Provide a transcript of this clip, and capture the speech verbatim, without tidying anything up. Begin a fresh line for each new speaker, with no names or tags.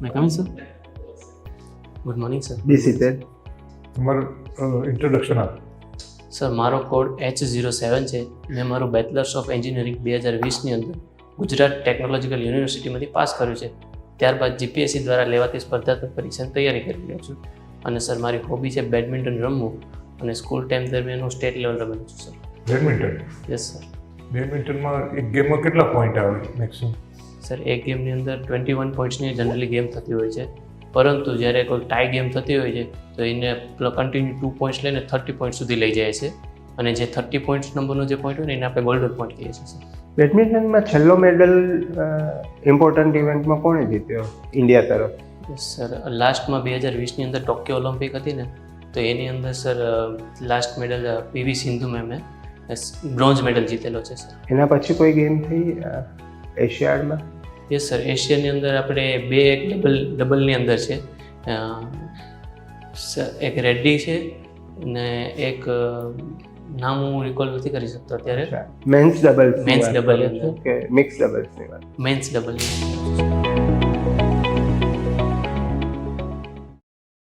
May I come in, sir? Good morning, sir.
બી સિત્તેર.
તમારું introduction આપ.
સર મારો કોડ એચ ઝીરો સેવન છે. મેં મારું બેચલર્સ ઓફ એન્જિનિયરિંગ બે હજાર વીસની અંદર ગુજરાત ટેકનોલોજીકલ યુનિવર્સિટીમાંથી પાસ કર્યું છે. ત્યારબાદ જીપીએસસી દ્વારા લેવાતી સ્પર્ધાત્મક પરીક્ષાની તૈયારી કરી રહ્યો છું. અને સર મારી હોબી છે બેડમિન્ટન રમવું, અને સ્કૂલ ટાઈમ દરમિયાન હું સ્ટેટ લેવલ રમેલું છું સર.
Badminton
yes sir.
બેડમિન્ટનમાં એક ગેમમાં કેટલા પોઈન્ટ આવે મેક્સિમમ?
સર એક ગેમની અંદર ટ્વેન્ટી વન પોઈન્ટ્સની જનરલી ગેમ થતી હોય છે, પરંતુ જ્યારે કોઈ ટાઈ ગેમ થતી હોય છે તો એને કન્ટિન્યુ ટુ પોઈન્ટ્સ લઈને થર્ટી પોઈન્ટ સુધી લઈ જાય છે, અને જે થર્ટી પોઈન્ટ્સ નંબરનો જે પોઈન્ટ હોય ને એને આપણે ગોલ્ડન પોઈન્ટ કહીએ છીએ સર.
બેડમિન્ટનમાં છેલ્લો મેડલ ઇમ્પોર્ટન્ટ ઇવેન્ટમાં કોણે જીત્યો ઇન્ડિયા તરફ?
સર લાસ્ટમાં બે હજાર વીસની અંદર ટોક્યો ઓલિમ્પિક હતી ને, તો એની અંદર sir last medal PV Sindhu મેમે બ્રોન્ઝ મેડલ જીતેલો છે સર.
એના પછી કોઈ ગેમ થઈ એશિયાડમાં?
Yes sir. એશિયાની અંદર આપણે બે એક ડબલ ડબલની અંદર છે. એક રેડ્ડી છે ને એક નામ હું રિકોલ નથી કરી શકતો અત્યારે.
Men's doubles?
મેન્સ ડબલ
કે મિક્સ ડબલ્સની વાત?
Men's double.